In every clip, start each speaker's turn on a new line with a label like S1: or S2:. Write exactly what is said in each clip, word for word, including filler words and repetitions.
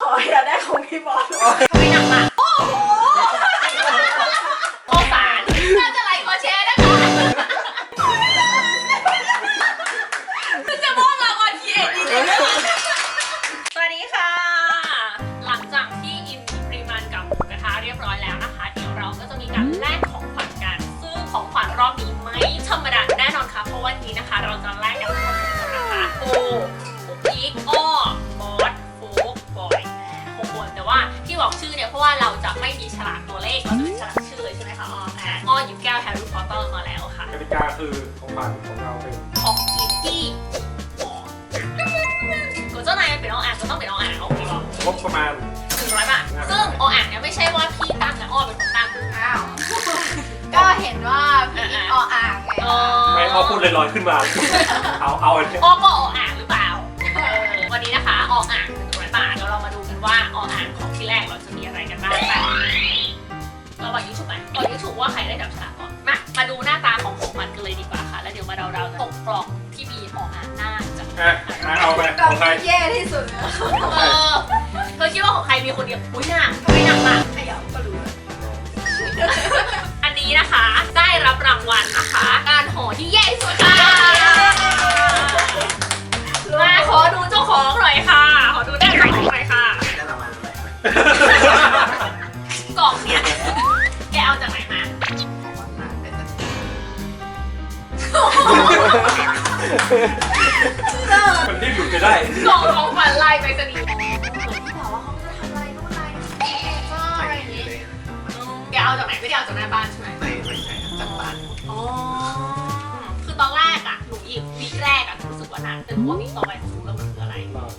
S1: ออยากได้ของพี่บอล
S2: ไม่หนักอ่ะโอ้โหโอสารน่าจะไลค์ขอแชร์นะคะจะมอบรางวัลที่เอ็ดดีเลยสวัสดีค่ะหลังจากที่อิ่มปริมาณกับหมูกระทะเรียบร้อยแล้วนะคะเดี๋ยวเราก็จะมีการแลกของขวัญกันซึ่งของขวัญรอบนี้ไม่ธรรมดาแน่นอนค่ะเพราะวันนี้นะคะเราจะแลกกันทั้งหมดนะคะโอ้พีกอ้อบอสโฟกบอยหกคนแต่ว่าที่บอกชื่อเนี่ยเพราะว่าเราจะไม่มีฉลากตัวเลขเราจะมีฉลากชื่อเลยใช่ไหมคะอ้ออ่ะอ้อหยิบแก้วแฮร์รี่พอตเตอร์มาแล้วค่ะ
S3: กติกาคือของขวัญของเราเป็น
S2: ของกินที่ก็เจ้านายเป็นออ่างก็ต้องเป็นออ่างโอเคหรอง
S3: บประมาณ
S2: หนึ่งร้อยบาทซึ่งออ่างเนี่ยไม่ใช่ว่าพี่ตั้งนะอ้อเป็นคนตั้ง
S1: อ้าวก็เห็นว่าพี่ออ่างไง
S3: ไม่พอพูดลอยๆขึ้นมาเอาเอาอันนี้
S2: อ้อก็ออ่างหรือเปล่าวันนี้นะคะออ่างหนึ่งร้อยบาทแล้วเรามาดูกันว่าออ่างของที่แรกเราจะมีอะไรกันบ้างแต่เราบอกยูทูบไหมบอกยูทูบว่าใครได้จับฉลากก่อนมามาดูหน้าตาของของมันกันเลยดีกว่าค่ะแล้วเดี๋ยวมาเดาๆตกกล่องที่มีออ่างหน้าจะ
S3: อ่ะเอาไปของใคร
S1: แย่ที่สุดเลย
S2: เออเธอคิดว่าของใครมีคนเดียวอุ้ยหนักทำไมหนักล่ะ
S1: ขยับก็รู้
S2: อันนี้นะคะได้รับรางวัลนะคะการห่อที่แย่ที่สุดค่ะมาขอดูเจ้าของหน่อยค่ะขอดูได้เจ้าของหน่อยค่ะ
S4: ได้รางวัลอะไร
S2: กล่องเนี่ยแกเอาจากไหนมา
S3: มันรีบหยุดจะได้
S2: กล่องของขวัญลายไปสนิทที่บอกว่าเขาจะทำอะไรนู่นอะไรอะไรอย่างนี้แกเอาจากไหนไม่ได้เอาจากหน้าบ้านใช่ไหม
S4: ไม่ไม่ใช่จากบ้าน
S2: อ๋อคือตอนแรกอ่ะหนูหยิบวีคแรกอ่ะรู้สึกว่าหนักแต่รู้ว่าวีคต่อไปหนูรู้แล้วมันคืออะไร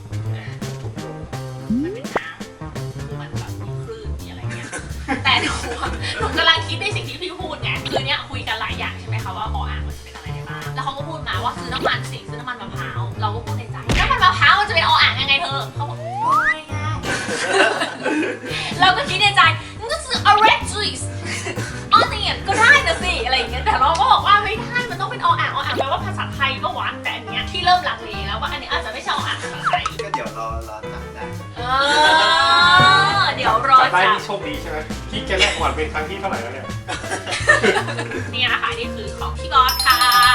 S2: มันเป็นน้ำคือมันแบบมีคลื่นมีอะไรเงี้ยแต่หนูหนูกำลังคิดในสิ่งที่พี่พูดไงคือเนี้ยคุยกันหลายอย่างใช่ไหมคะว่าออ่างมันจะเป็นอะไรได้บ้างแล้วเขาก็พูดมาว่าซื้อน้ำมันสิซื้อน้ำมันมะพร้าวเราก็พูดในใจน้ำมันมะพร้าวมันจะเป็นออ่างยังไงเธอเขาบอกง่ายง่ายเราก็คิดในใจงั้นก็ซื้อ orange juice ออเนี่ยก็ได้นะสิอะไรอย่างเงี้ยแต่เราก็บอกว่าไม่ได้มันต้องเป็นออ่างออ่างแปลว่าภาษาไทยก็วัดแต่อันเนี้ยที่เริ่มลังเลแล้วว่าอันนี้อาจจะไม่ใช่ออ่างภาษาไทย
S4: ก็เดี๋ยวรอรอจำได้
S2: เออเดี๋ยวรอ
S3: จับได้ที่โชคดีใช่ไหมที่แกแรกหวานเป็นครั้งที่เท่าไหร่แล้วเนี่ย
S2: นี่นะคะนี่คือของพี่บอสค่ะ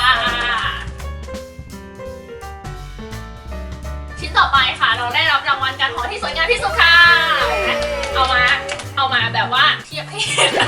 S2: ชิ้นต่อไปค่ะเราได้รับรางวัลการห่อที่สวยงามที่สุดค่ะเอามาเอามาแบบว่าเทียบให้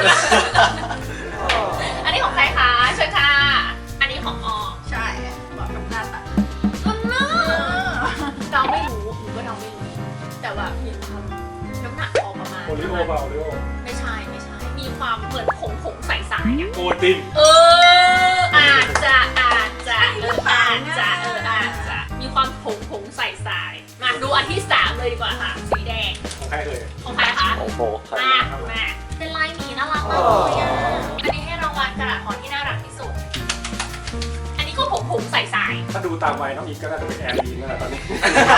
S2: อันนี้ของใครคะเชิญค่ะอันนี้ของออ
S1: ใช่บอกกับหน้าตา
S2: ต้นน้าเราไม่รู้หนูก็เราไม่รู้แต่ว่ามีความน้ำหนักพอประมาณ
S3: โอริโอเปล่าโอริโอ
S2: ไม่ใช่ไม่ใช่มีความเหมือนผงผงใสๆอ่ะ
S3: โกติน
S2: เอออาจจะอาจจะเอออาจจะเอออาจจะมีความผงผงใสๆมาดูอันที่สามเลยดีกว่าค่ะสีแดง
S3: ของใครเอ่ย
S2: ของใครคะ
S4: ของโฟก
S2: มามาเป็นลายหมีน่ารักมากเลยอ่ะอันนี้ให้รางวัลกระดาษห่อที่น่ารักที่สุดอันนี้ก็ผงผงใสๆ
S3: ถ้าดูตามวัยน้องอีกก็น่าจะเป็นแอร์ลีนนั่นแหละตอนนี้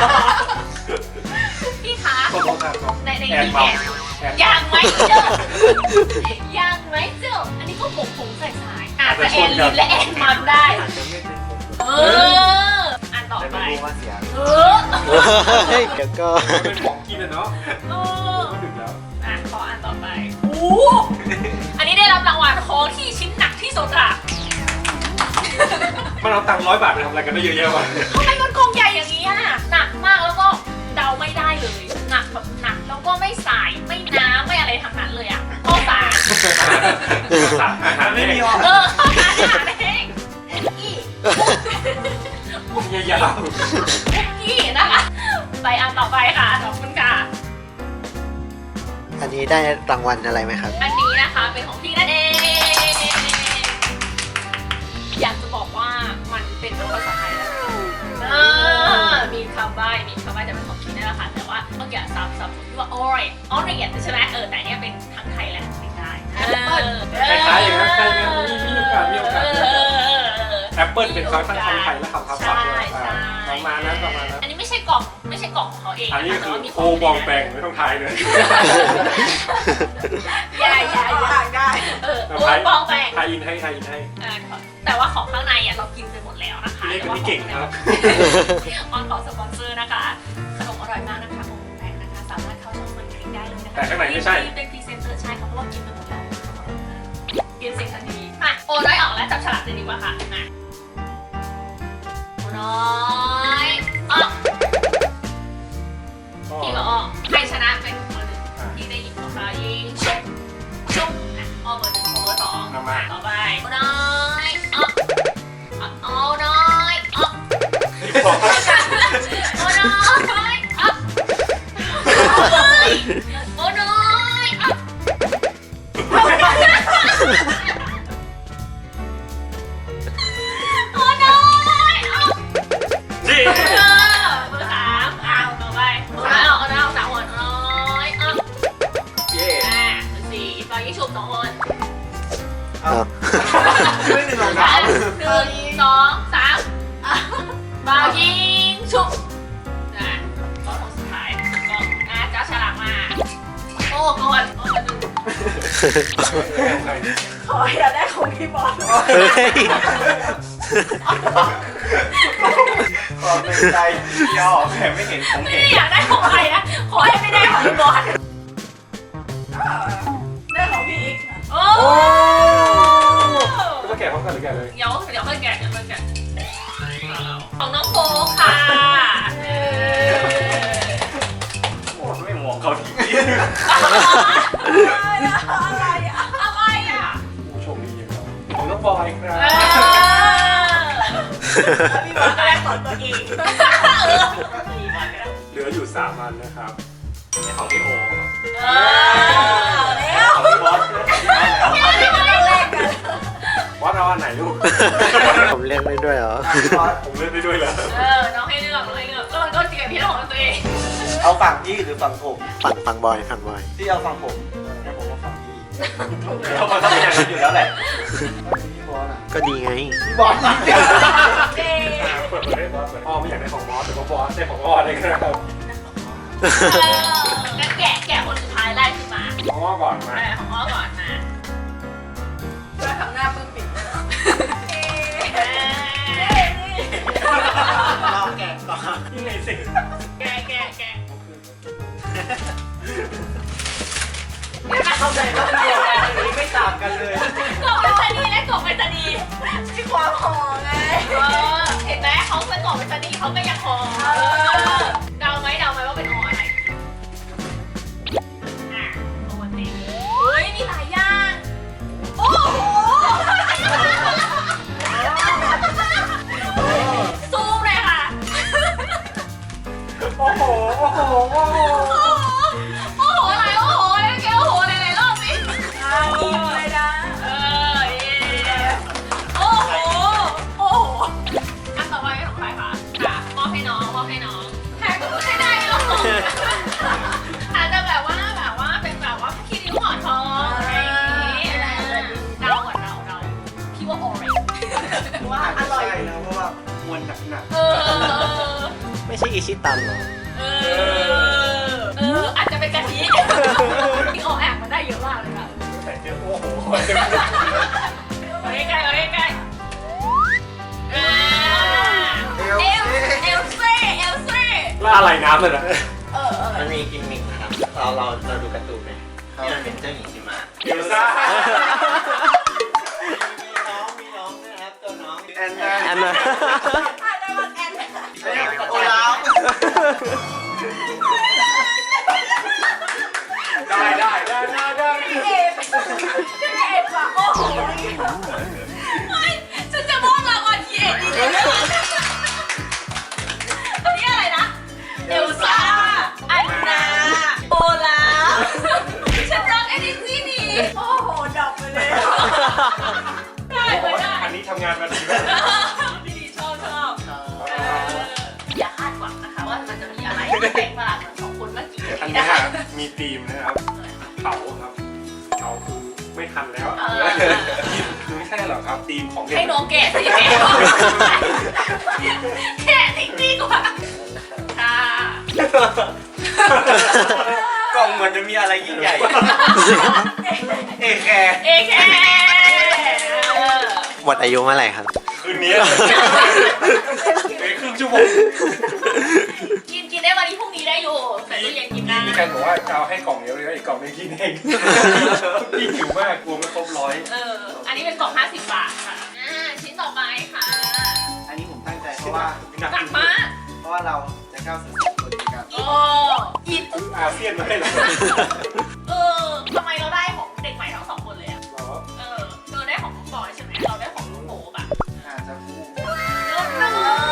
S2: พี่คะในในนี้แอนยังไหมเจ้ายังไหมเจ้าอันนี้ก็ผงผงใสๆอาจจะแอนลีนและแอนมันได้เอออันต่อไปเออ
S4: เฮ้ยเดี๋ยวก็
S3: เป็นของกินอะเนาะ
S2: เออ
S3: ก็ดึกแล้ว
S2: อ่ะขออันต่อไปโอ้อันนี้ได้รับรางวัลของที่ชิ้นหนักที่สุดอะ
S3: มันเอาตังค์ร้อยบาทไปทำอะไรกันได้เยอะแยะวะ
S2: ทำไมมันกองใหญ่อย่างนี้อะหนักมากแล้วก็เดาไม่ได้เลยหนักแบบหนักแล้วก็ไม่สายไม่น้ำไม่อะไรทั้งนั้นเลยอะข้าวสาร
S3: อาหารไม่มีหรอ
S2: เออข้าวสารอาหารเองอี
S3: ยาว
S2: อีนะคะไปอันต่อไปค่ะขอบคุณค่ะ
S4: อันนี้ได้รางวัลอะไรไหมครับ
S2: อันนี้นะคะเป็นของพี่นั่นเองอยากจะบอกว่ามันเป็นภาษาไทยนะมีคำใบ้มีคำใบ้แต่เป็นของพี่นั่นแหละค่ะแต่ว่าเมื่อกี้ซับซับที่ว่า orange orange ใช่ไหมเออแต่เนี้ยเป็นทั้งไทยและไม่ได้
S3: คล้ายๆอย่างนั้นใช่ไหมมีโอกาสมีโอกาสแอปเปิลเป็นคำทั้งคำไทยและคำทับศัพท์ด้วยประมาณนั้นประมาณนั้น
S2: อันนี้ไม่ใช่กล่องไม่ใช่กล่องของเขาเอง
S3: อันนี้คือโคบองแบงไม่ต้องทายเลย
S2: ยายยายยายได้เออโคบองแบง
S3: ทายอินให้ทายอินให้
S2: แต่ว่าของข้างในอ่ะเรากินไปหมดแล้วนะคะ
S3: เรียกว่าเก่งครับ
S2: ออนขอสปอนเซอร์นะคะขนมอร่อยมากนะคะโคบองแบงนะคะสามารถ
S3: แต่ข้างในไม่ใช่
S2: เป็นพรีเซนเตอร์ใช่ค่ะเพราะว่ากินไปหมดแล้วเปลี่ยนเสียงทันทีมาโอ้น้อยออกแล้วจับฉลากเลยดีกว่าค่ะมาโอ้น้อยออกพี่ก็ออกใครชนะเป็นคนหนึ่งที่ได้ยิงของเรายิงชุบชุบอ่ะออกเบอร์หนึ่งของเบอร์สองต่อไปโอ้น้อยออกโอ้น้อยออกโอ้น้อยออกโอ้น้อยออกโอ้น้อยออก
S3: นี่
S2: เออเบอร์สามอ่ะต่อไปเบอร์สามเอาเอาสามคนน้อยออก
S3: เย่
S2: อ่ะเบอร์สี่ตอนนี้ชุบสองคน
S4: อ้าว
S3: ไม่หนึ่งสอง
S2: สา
S3: สาม
S2: มหนึ่งสองสามบาวยิงชุบนะก็คนสุดท้ายก็อ่ะจ้าฉลากมาโอ้ก่อนโอ้ก่อนหนึ่ง
S1: ขออย่าได้ของพี่บอล
S4: เฮ้ย
S5: ขอเป็นใจย่อแค่ไม่เห็นผม
S2: ไม่
S5: เห็น
S2: ได้อยากได้ของใครนะขอให้ไม่ได้ของพี่บอล
S1: ได้ของพี่อีก
S2: โอ้
S3: ก็แกะพร้อมกันหรือแกะเลย
S2: เดี๋ยวเดี๋ยวค่อยแกะเดี๋ยวค่อยแกะของน้องโฟค่ะเออ
S5: โอ้ไม่มองเขาที
S1: อะไรอะ
S2: อะไรอ่ะ
S3: ผู้โชคดีอย่างเราของน้องบอยครั
S2: เอบ อ
S1: พี่บอลก็ได้ของตัวเอง
S3: เหลืออยู่สามอันนะครับนี่ของพี่โอ
S2: เออ
S1: แล้ว
S5: ของพี่บอส
S1: แรกกัน
S3: วัดเอาอันไหนลูก
S4: ผมเลือกได้ด้วยเหรอ
S3: ผมเล่นได้ด้วยเหรอ
S2: เออน้องให้เลือกน้องให้เลือกแล้วมันก็เจียบพี่ของตัวเอง
S5: เอาฝั่งพี่หรือฝั่งผม
S4: ฝั่งฝั่งบอยฝั่งบอย
S5: ที่เอาฝั่งผมงั้นผมเอาฝั่งพี่เรามันต้องเป็นอย่างนั้นอยู่แล้วแหละพี่บอสอ่ะ
S4: ก็ดีไง
S5: พี่บอสอ่ะ
S1: เจ๊
S3: เปิดเปิดได้บอสเปิดพ่อไม่อยากได้ของบอสแต่ว่าบอสได้ของพ่อได้ครับ
S2: เอองั้นแกะแกะคนสุดท้ายไล่ขึ้นมา
S3: ของพ่อก่อนมา
S2: เออของอ้อก่อนมา
S1: ก็ทำหน้าปึ้งปิดเลย
S2: เออ
S5: เราแกะก่อน
S3: ยังไงสิ
S2: แกะแกะแกะ
S1: เข้าใจว่า
S5: เดียวกันอันนี้ไม่ต่างกันเลย
S2: กล่องเป็นตานีและกล่องเป็นตานี
S1: ที่ความห่อไง
S2: เออเห็นไหมเขาเป็นกล่องเป็นตานีเขาก็ยังห่อเออเดาไหมเดาไหมว่าเป็นห่ออะไรอ่ะโอวัลตินเฮ้ยมีหลายอย่าง
S1: โอ้โห
S2: ซูมเลยค่ะ
S3: โอ้โหโอ้โหโอ้โห
S2: โอ้โห โอ้โหอะไรโอ้โหอะไรแกโอ้โหหลายๆรอบสิ
S1: อาอิ่มเลยนะ
S2: เออเย่โอ้โห โอ้โห อันต่อไปของใครคะค่ะมอบให้น้องมอบให้น้องแพ้ก็ไม่ได้หรอกอาจจะแบบว่าแบบว่าเป็นแบบว่าคิริ้วห่อทองอะไรอย่างงี้เดาก่อนเดาเดาคิดว่าออเรนจ์
S1: ว่าอร่อย
S5: ใช่นะเพราะว่ามวลหนัก
S2: เออ
S4: ไม่ใช่อิชิตันเหรอ
S2: เออ เออ อาจจะเป็นกะทิที่ออกแอบมันได้เยอะมากเลยค่ะ
S3: แต่เจอโอ้โห
S2: เอาใกล้ๆเอาใกล้ๆอ่า
S5: ๆ
S2: เอลเอลเซ่เอลเซ่
S3: แล้วอะไรน้ำเลยนะ
S1: เออเออ
S5: มันมีกิมมิคนะครับเราเราเราดูการ์ตูนไหมที่มันเป็นเจ้าหญิงชิมะ
S3: เดี๋ยวซ่า
S5: มีน้องมีน้องด้วยนะครับตัวน้องแอนนา
S4: อันนั้น
S1: อ่ะได้วันแอน
S5: โอลาฟ
S3: ได้ได้ได้ได้ได้
S1: พี่เอ็มพี่เอ็มว่ะโอ้โห
S2: เฮ้ยฉันจะมอบรางวัลทีเอ็ดดีเลยอันนี้อะไรนะ เอลซ่า อันนา โอลาฟฉันรักเอลิซี่นี่
S1: โอ้โหดอกไปเลย
S2: ได้ไม่ได้
S3: อันนี้ทำงานมาดีมาก
S2: ดีชอบชอบเอออย่าคาดหวังนะคะว่ามันจะมีอะไรที่แปลกประหลาดเหมือนของคุณเมื่อกี้
S3: อัน
S2: นี้
S3: นี้
S2: นะคะ
S3: มีธีมนะครับเผาครับเผาคือไม่ทันแล้ว
S2: เออ
S3: คือไม่ใช่หรอกครับธีมของเด็
S2: ให้
S3: ก
S2: น้องแกะสิแม่แกะจริงดีกว่าค่ะ
S5: กล่องเหมือนจะมีอะไรยิ่งใหญ่ เอแคร์
S2: เอแค
S4: หมดอายุเมื่อไหร่ครับ
S3: คืนนี้ไปครึ่งชั่วโมง
S2: กินกินได้วันนี้พรุ่งนี้ได้อยู่แต่ตู้เย็นกินได้
S3: ฟนบอกว่าจะเอาให้กล่องเดียวเลยนะอีกกล่องนึงกินเองพี่หิวมากกลัวไม่ครบร้อย
S2: เออ อันนี้เป็นกล่องห้าสิบบาทค่ะ อ่า ชิ้นต่อไปค่ะ
S5: อันนี้ผมตั้งใจเพราะว่า
S2: หนักมาก
S5: เพราะว่าเราจะก้าวสู่สังคมกัน
S2: โอ้อิน
S3: อาเซียนมาให้เหรอ
S2: เออทำไมเราได้ของเด็กใหม่ทั้งสองคนเลยอะ
S3: เหรอ
S2: เออเธอได้ของลูกบอยใช่ไหมเราได้ของลูกโป๊ปอะ
S5: อาจจะคู่
S2: เลิศเลิศ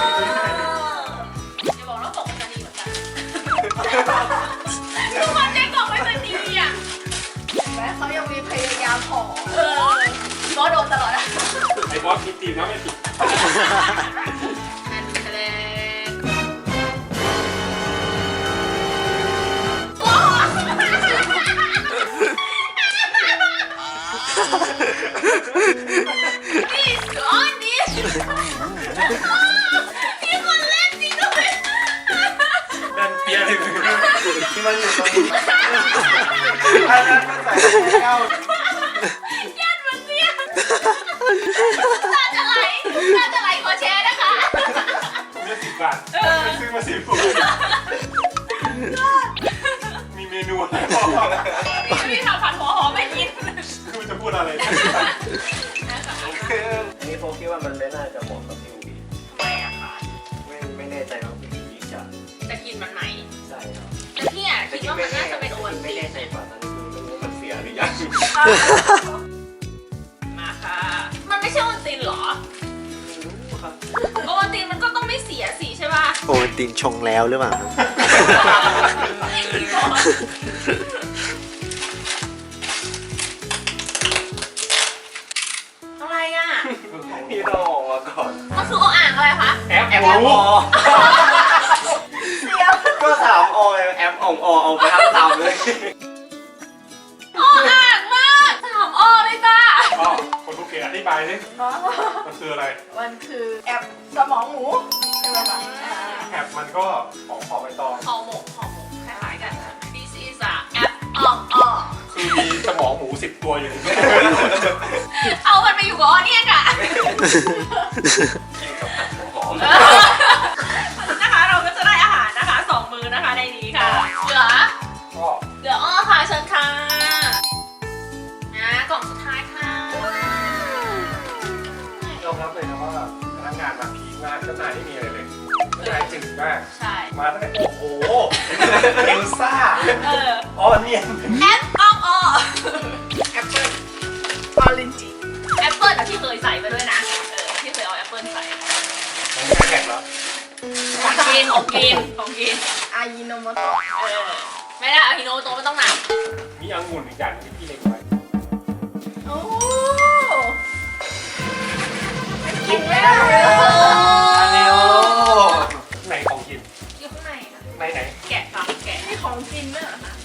S2: อย่าบอกว่าของมันจะดีเหมือนกันทุกคนได้กล่องไม่เป็นดีอะ
S1: เห็นไหมเขายังมีพยายามขอ
S2: เออก็โดนตลอดอะ
S3: ไอ้บอสมีทีมนะไม่ผิด
S2: อันแรกโอ้นี่สอนนี่มีคนเล่นจริงด้วย
S3: แน่นเปียเลย
S5: ที่มันอยู่ตรงนี้อันนั้นมันใส่ก้าว
S2: ยันมันเนี่ยตาจะไหลตาจะไหลขอแชร์นะคะ
S3: ผมเลือกสิบบาทซื้อมาสิบมีเมนูอะไรบ้าง
S2: นี่พี่ทำผัดหัวหอมไม่กิน
S3: คือมันจะพูดอะไร
S5: อันนี้ผมคิดว่ามันไม่น่าจะเหมาะกับพี่อูบี
S2: ทำไมอะคะ
S5: ไม่ไม่แน่ใจว่าพี่อูบีจะ
S2: จะกินมันไหม
S5: ใส่ครับ
S2: แต่พี่อะคิดว่ามันน่าจะเป็นโอวัล
S5: ไม่
S2: ติ
S5: แน่
S2: น
S5: ใจกว่าตอนนี้คือไม่รู้ว่ามันเสียหรือยัง
S2: มาค่ะ มันไม่ใช่โอวัลตินเหรอ
S5: ครับ
S2: โอวัลตินมันก็ต้องไม่เสียสิใช่ป่ะ
S4: โอวัลตินชงแล้วหรือเปล่าครับ
S2: อะไรอะ
S5: พี่ต้องออกมาก่อน
S2: มันคือโออ่างอะไรคะ
S3: แอป
S5: แอม
S3: รู้
S5: อ
S1: เสียว
S5: ก็ถามออยแอมอ่องอเอาไปทั้งสามเลย
S2: โออ่างมากสามอเลยจ้า
S3: อ๋อคนทุกเกียรอธิบายสิ
S1: เนาะ
S3: มันคืออะไร
S1: มันคือแอบสมองหมูใช่ไหมคะอ่า
S3: แอปมันก็ของหอมใบตอง
S2: ห่อหมกห่อหมกคล้ายๆกันค่ะ This is a app อ่ออ่อ
S3: คือมีสมองหมูสิบตัวอยู่ในนี้
S2: เอามันไปอยู่กับออเนี่ยกะ
S5: หอม
S2: นะคะเราก็จะได้อาหารนะคะสองมือนะคะในนี้ค่ะ เหลือ
S3: ก็
S2: เหลืออ้อค่ะเชิญค่ะนะกล่องสุดท้ายค่ะ
S3: ยอมรับเลยนะว่าพนักงานมาพีคมากข้างในไม่มีอะไรเลยข้างในจืดมาก
S2: ใช่
S3: มาตั้งแต่โอ้โหเอลซ่า
S2: เออ
S3: อ๋อเนี่ย
S2: แอปอ้อมอ้อ
S1: แอปเปิ้ลออรินจิ
S2: แอปเปิลที่เคยใส่ไปด้วยนะ เออที่เคยเอาแอปเปิลใส่
S3: มันแค่แข็งแล้ว
S2: ของกินของกินของกิน
S1: อายิโนโมโตะ
S2: เออไม่ได้เอาฮิโนโตะไม่ต้องหนัก
S3: มีองุ่นอีกอย่างที่พี่เล็งไว้
S1: โอ้กินไม่ได้เลย
S5: อันนี้โอ้
S3: ไหนของกิน
S2: อยู่ข้างในค่ะ
S3: ไหนไหน
S2: แกะค่ะแกะ
S1: มีของกินด้วยเหรอคะ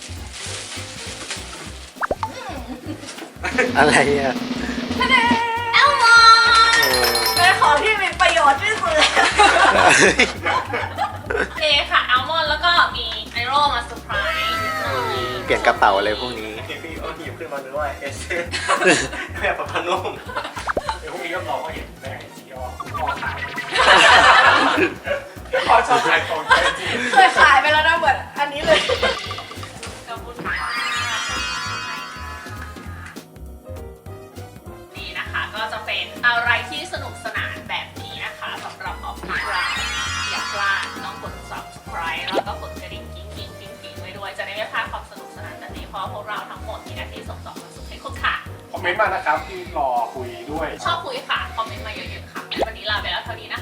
S4: อะไรอ่ะ
S2: แอลมอน
S4: เออ
S1: เป็นของที่มีประโยชน์ที่สุดเลย
S2: โอเคค่ะแอลมอนแล้วก็มีไอโรมาเซอร์ไพรส์นิดหน่อย
S4: เปลี่ยนกระเป๋าอะไรพวกนี้
S5: พี่เอาหยิบขึ้นมาดูว่าเอสเซแบบปะพนุ่ม
S3: เดี๋ยวพรุ่งนี้ก็รอเขาเห็นแม่จีออพ่อขายพ่อชอบขายของแท้จริง
S1: เคยขายไปแล้วนะเหมือนอันนี้เลย
S2: ขอบคุณค่ะนี่นะคะก็จะเป็นอะไรที่สนุกสนานแบบนี้นะคะสำหรับออฟฟิศเราอย่าพลาดต้องกด subscribe แล้วก็กดกระดิ่งกิ๊งกิ๊งกิ๊งกิ๊งไว้ด้วยจะได้ไม่พลาดความสนุกสนานแบบนี้เพราะพวกเราทั้งหมดมีหน้าที่ส่งต่อความสุขให้คุณค่ะ
S3: คอมเมนต์มานะครับที่รอคุยด้วย
S2: ชอบคุยค่ะ คอมเมนต์มาเยอะๆค่ะ วันนี้ลาไปแล้วเท่านี้นะคะ